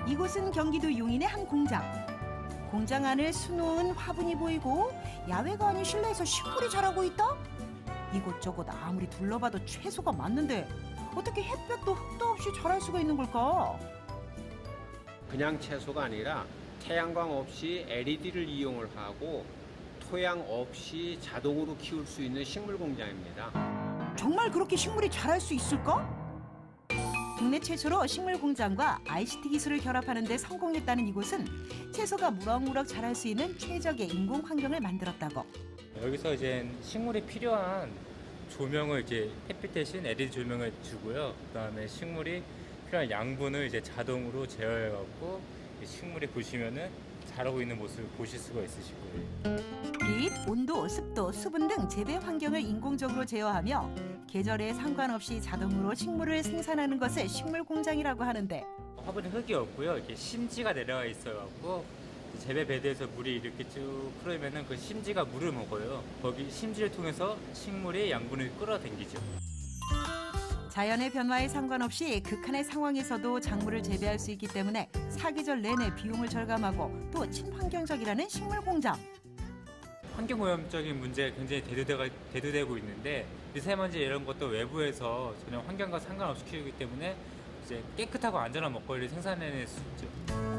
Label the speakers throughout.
Speaker 1: 이곳은 경기도 용인의 한 공장. 공장 안을 수놓은 화분이 보이고 야외가 아닌 실내에서 식물이 자라고 있다? 이곳저곳 아무리 둘러봐도 채소가 많는데 어떻게 햇볕도 흙도 없이 자랄 수가 있는 걸까?
Speaker 2: 그냥 채소가 아니라 태양광 없이 LED를 이용을 하고 토양 없이 자동으로 키울 수 있는 식물 공장입니다.
Speaker 1: 정말 그렇게 식물이 자랄 수 있을까? 국내 최초로 식물 공장과 ICT 기술을 결합하는 데 성공했다는 이곳은 채소가 무럭무럭 자랄 수 있는 최적의 인공 환경을 만들었다고.
Speaker 3: 여기서 이제 식물이 필요한 조명을 이제 햇빛 대신 LED 조명을 주고요. 그다음에 식물이 필요한 양분을 이제 자동으로 제어해 갖고 식물이 보시면은 자라고 있는 모습을 보실 수가 있으실 거예요.
Speaker 1: 빛, 온도, 습도, 수분 등 재배 환경을 인공적으로 제어하며 계절에 상관없이 자동으로 식물을 생산하는 것을 식물 공장이라고 하는데
Speaker 3: 화분에 흙이 없고요. 이렇게 심지가 내려가 있어갖고 재배 베드에서 물이 이렇게 쭉 흐르면은 그 심지가 물을 먹어요. 거기 심지를 통해서 식물의 양분을 끌어당기죠.
Speaker 1: 자연의 변화에 상관없이 극한의 상황에서도 작물을 재배할 수 있기 때문에 사계절 내내 비용을 절감하고 또 친환경적이라는 식물 공장.
Speaker 3: 환경오염적인 문제가 굉장히 대두되고 있는데 미세먼지 이런 것도 외부에서 전혀 환경과 상관없이 키우기 때문에 이제 깨끗하고 안전한 먹거리를 생산해낼 수 있죠.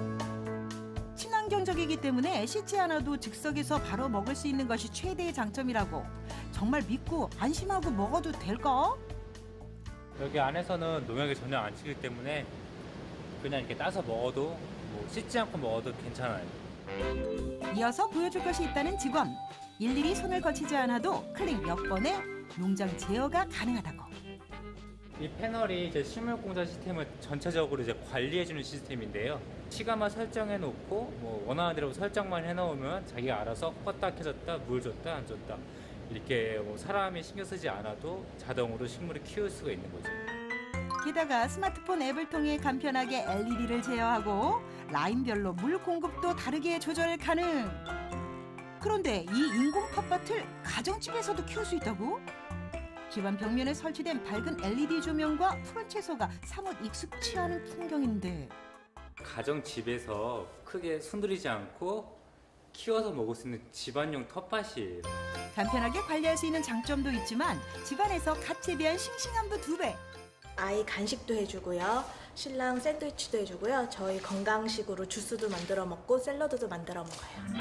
Speaker 1: 친환경적이기 때문에 씻지 않아도 즉석에서 바로 먹을 수 있는 것이 최대의 장점이라고. 정말 믿고 안심하고 먹어도 될까?
Speaker 3: 여기 안에서는 농약이 전혀 안 치기 때문에 그냥 이렇게 따서 먹어도 뭐 씻지 않고 먹어도 괜찮아요.
Speaker 1: 이어서 보여줄 것이 있다는 직원. 일일이 손을 거치지 않아도 클릭 몇 번에 농장 제어가 가능하다고.
Speaker 3: 이 패널이 이제 식물 공장 시스템을 전체적으로 이제 관리해주는 시스템인데요. 시간만 설정해 놓고 뭐 원하는 대로 설정만 해 놓으면 자기가 알아서 껐다 켜졌다 물 줬다 안 줬다 이렇게 뭐 사람이 신경 쓰지 않아도 자동으로 식물을 키울 수가 있는 거죠.
Speaker 1: 게다가 스마트폰 앱을 통해 간편하게 LED를 제어하고 라인별로 물 공급도 다르게 조절 가능. 그런데 이 인공 텃밭을 가정집에서도 키울 수 있다고? 집안 벽면에 설치된 밝은 LED 조명과 푸른 채소가 사뭇 익숙치 않은 풍경인데
Speaker 3: 가정 집에서 크게 손들이지 않고 키워서 먹을 수 있는 집안용 텃밭이에요.
Speaker 1: 간편하게 관리할 수 있는 장점도 있지만 집안에서 갓 재배한 싱싱함도 2배.
Speaker 4: 아이 간식도 해주고요. 신랑 샌드위치도 해주고요. 저희 건강식으로 주스도 만들어 먹고 샐러드도 만들어 먹어요.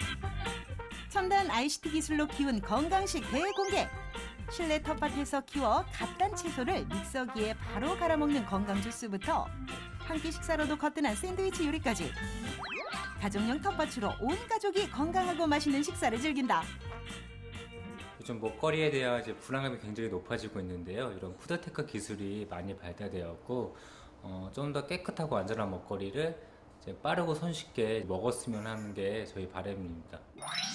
Speaker 1: 첨단 ICT 기술로 키운 건강식 대공개. 실내 텃밭에서 키워 갓 단 채소를 믹서기에 바로 갈아 먹는 건강 주스부터 한 끼 식사로도 거뜬한 샌드위치 요리까지. 가정용 텃밭으로 온 가족이 건강하고 맛있는 식사를 즐긴다.
Speaker 3: 요즘 먹거리에 대한 이제 불안감이 굉장히 높아지고 있는데요. 이런 푸드테크 기술이 많이 발달되었고 좀 더 깨끗하고 안전한 먹거리를 이제 빠르고 손쉽게 먹었으면 하는 게 저희 바람입니다.